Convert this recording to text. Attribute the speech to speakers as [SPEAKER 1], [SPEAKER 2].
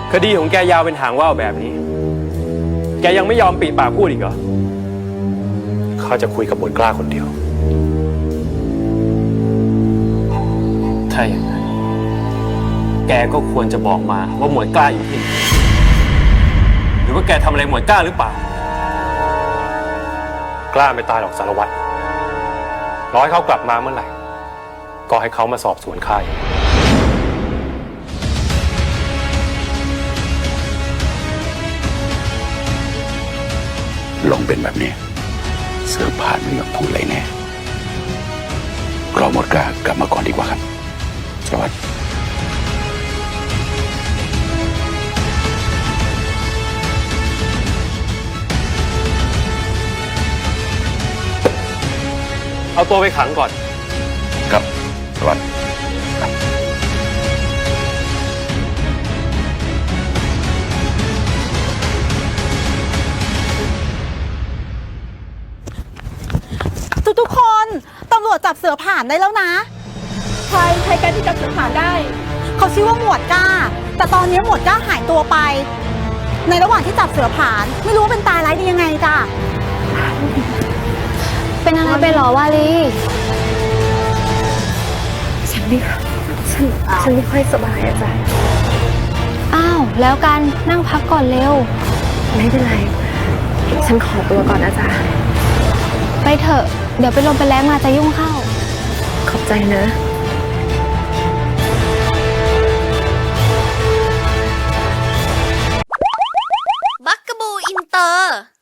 [SPEAKER 1] คดีของแกยาวเป็นหางว่าวแบบนี้แกยังไม่ยอมปีปากพูดอีกเหรอข้าจะคุยกับหมวดกล้าคนเดียวถ้าอย่างนั้นแกก็ควรจะบอกมาว่าหมวดกล้าอยู่ที่ไหนหรือว่าแกทำอะไรหมวดกล้าหรือเปล่ากล้าไม่ตายหรอกสารวัตรรอให้เขากลับมาเมื่อไหร่ก็ให้เขามาสอบสวนข้าเอง
[SPEAKER 2] ลงเป็นแบบนี้เสือผ่านไม่ยอมพูดอะไรแน่รอหมดกล้ากลับมาก่อนดีกว่าครับสวัสดี
[SPEAKER 1] เอาตัวไปขังก่อน
[SPEAKER 2] ครับสวัสดี
[SPEAKER 3] ทุกคนตำรวจจับเสือผ่านได้แล้วนะใครกันที่จับเสือผ่านได้เขาชื่อว่าหมวดก้าแต่ตอนนี้หมวดก้าหายตัวไปในระหว่างที่จับเสือผ่านไม่รู้ว่าเป็นตายร้ายดียังไงจ้ะ
[SPEAKER 4] เป็นอะไรไปหรอวาลี
[SPEAKER 5] ฉันไม่ค่อยสบายอาจารย์
[SPEAKER 4] อ้าวแล้วกันนั่งพักก่อนเร็ว
[SPEAKER 5] ไม่เป็นไรฉันขอตัวก่อนอาจารย์
[SPEAKER 4] ไปเถอะเดี๋ยวไปลมไปแล้งมาจะยุ่งเข้า
[SPEAKER 5] ขอบใจนะ
[SPEAKER 6] บักกะบูอินเตอร์